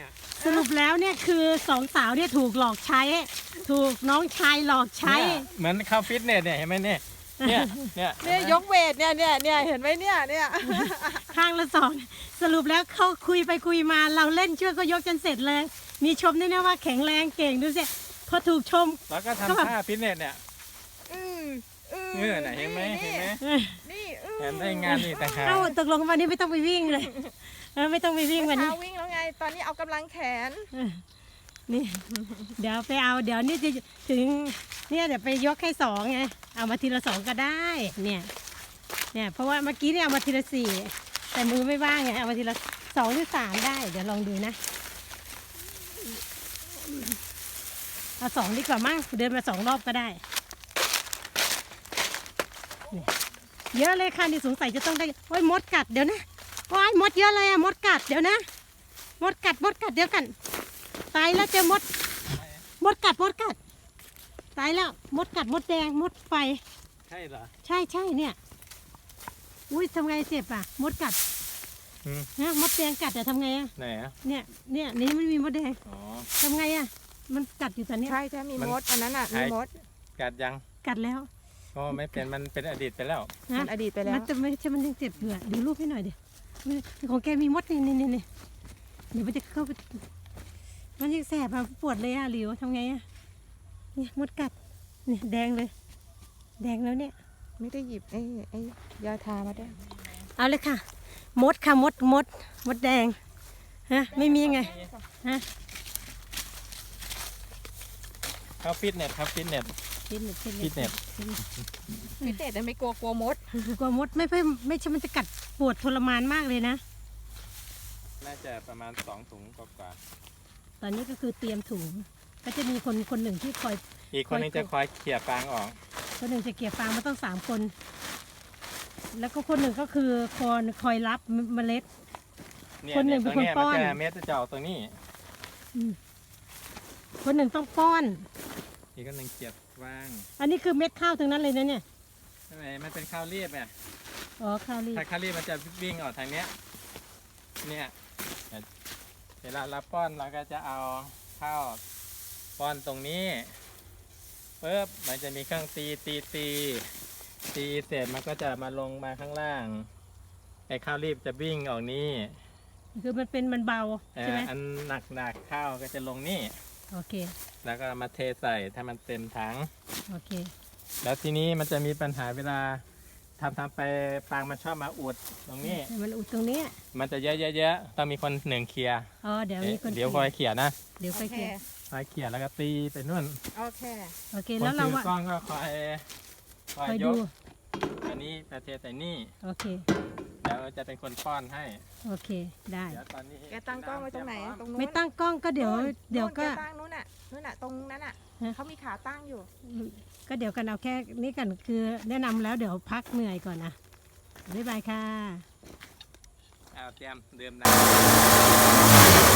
เนี่ยสรุปแล้วเนี่ยคือสองสาวเนี่ยถูกหลอกใช้ ถูกน้องชายหลอกใช้เหมือนเข้าฟิตเนสเนี่ยเห็นไหมเนี่ยเนี่ยยกเวทเนี่ยเห็นไหมเนี่ยข้างละสองสรุปแล้วเขาคุยไปคุยมาเราเล่นช่วยก็ยกจนเสร็จเลย มีชมด้วยนะว่าแข็งแรงเก่งดูสิพอถูกชมแล้วก็ก็แบบทำท่าฟิตเนสเนี่ยเงื่อไหนเห็นไหมนี่เห็นได้งานนี่ต่างหากเอ้าตกลงวันนี้ไม่ต้องไปวิ่งเลยไม่ต้องไปวิ่งวันนี้เช้าวิ่งแล้วไงตอนนี้เอากำลังแขนนี่เดี๋ยวไปเอาเดี๋ยวนี่จะถึงเนี่ยเดี๋ยวไปยกให้สองไงเอามาทีละสองก็ได้เนี่ยเพราะว่าเมื่อกี้เนี่ยเอามาทีละสี่แต่มือไม่ว่างไงเอามาทีละสองหรือสามได้เดี๋ยวลองดูนะเอาสองดีกว่ามั้งเดินมาสองรอบก็ได้เนี่ยเยอะเลยค่ะนี่สงสัยจะต้องได้โอ้ยมดกัดเดี๋ยวนะโอ้ยมดเยอะเลยอะมดกัดเดี๋ยวนะมดกัดเดี๋ยวกันตายแล้วเจอมดกัดตายแล้วมดกัดมดแดงมดไฟใช่เหรอใช่เนี่ยอุ้ยทำไงเจ็บอ่ะมดกัดนะมดแดงกัดอะทำไงอะไหนอ่ะเนี่ยนี่มันมีมดแดงอ๋อทำไงอะมันกัดอยู่ตอนเนี้ยใช่มีมดอันนั้นอ่ะมีมดกัดยังกัดแล้วก็ไม่เป็นมันเป็นอดีตไปแล้วนะมันอดีตไปแล้วมันจะไม่ใช่มันยังเจ็บอยู่อะดูรูปให้หน่อยดิของแกมีมดนี่เดี๋ยวมันจะเข้าไปมันยังแสบอะปวดเลยอะหลิวทำไงอะเนี่ยมดกัดเนี่ยแดงเลยแดงแล้วเนี่ยไม่ได้หยิบไอ้ยาทามาด้วยเอาเลยค่ะมดค่ะมดแดงฮะไม่มีไงฮะเข้าฟิตเนสครับฟิตเนสฟิตเนสฟิตเนสพิเศษแต่ไม่กลัวมดกลัวมดไม่ใช่มันจะกัดปวดทรมานมากเลยนะน่าจะประมาณ2 ถุงกว่าตอนนี้ก็คือเตรียมถุงก็จะมีคนหนึ่งที่คอยอีกคนนึงจะคอยเขี่ยฟางออกคนหนึ่งจะเกี่ยฟางมาต้อง3 คน แล้วก็คนหนึ่งก็คือคอยรับเมล็ดเนี่ยคนหนึ่งตรงเป็นคนเนี้ยป้มัอนจะเม็ดจะออกตรงนี้คนหนึ่งต้องป้อนอีกคนหนึ่งเขี่ยฟางอันนี้คือเม็ดข้าวทั้งนั้นเลยนะเนี่ยใช่ไหมมันเป็นข้าวรีบไงอ๋อข้าวรีบถ้าข้าวรีบมันจะวิ่งออกทางเนี้ยเนี่ยเวลาเราป้อนเราก็จะเอาข้าวป้อนตรงนี้ปุ๊บมันจะมีเครื่องตีเสร็จมันก็จะมาลงมาข้างล่างไอ้ข้าวรีบจะวิ่งออกนี่คือมันเบาใช่ไหมอันหนักข้าวก็จะลงนี่โอเคแล้วก็มาเทใส่ถ้ามันเต็มถังโอเคแล้วทีนี้มันจะมีปัญหาเวลาทำไปปางมันชอบมาอุดตรงนี้มันอุดตรงนี้มันจะเยอะๆต้องมีคนหนึ่งเคลียร์อ๋อเดี๋ยวมีคนเดี๋ยวคอยเขี่ยนะเดี๋ยวโอค่อยเคเกี่ยคอยเขี่ยแล้วก็ตีไปนู่นโอเคโอเคคนแล้วเราถืออะกล้องก็คอยคอยยดูกอันนี้ประเทศใส่นี่โอเคเดี๋ยวจะเป็นคนป้อนให้โอเคได้เดี๋ยวตอนนี้แกตั้งกล้องไว้ตรงไหนตรงนู้นไม่ตั้งกล้องก็เดี๋ยวก็แตั้งนู้นน่ะตรงนั้นน่ะฮะเขามีขาตั้งอยู่ก็เดี๋ยวกันเอาแค่นี้กันคือแนะนำแล้วเดี๋ยวพักเหนื่อยก่อนนะบ๊ายบายค่ะเอาเตรียมดื่มน้ำ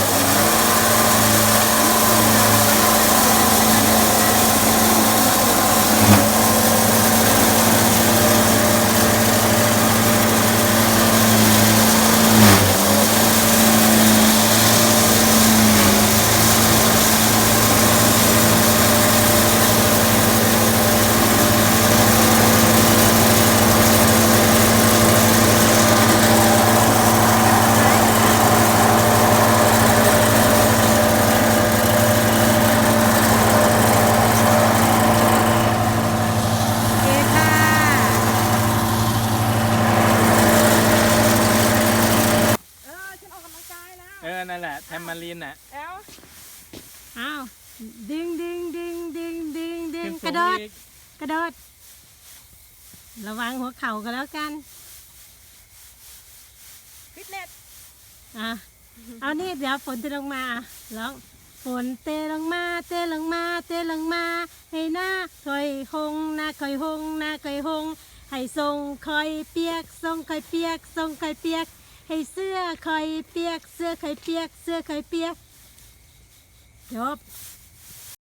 โอเคค่ะฉันออกกำลังกายแล้วนั่นแหละแทมมารีนน่ะแล้วอ้าวดึงขึ้นกสูระงโดดอีกกระโดดระวังหัวเข่ากันแล้วกันฟิตเนสอ่ะเอานี่เดี๋ยวฝนจะลงมาร้องฝนเตลงมาให้หน้าคอยหงหน้าคอยหงหน้าคอยหงให้ทรงคอยเปียกทรงคอยเปียกทรงคอยเปียกให้เสื้อคอยเปียกเสื้อคอยเปียกเสื้อคอยเปียกจบ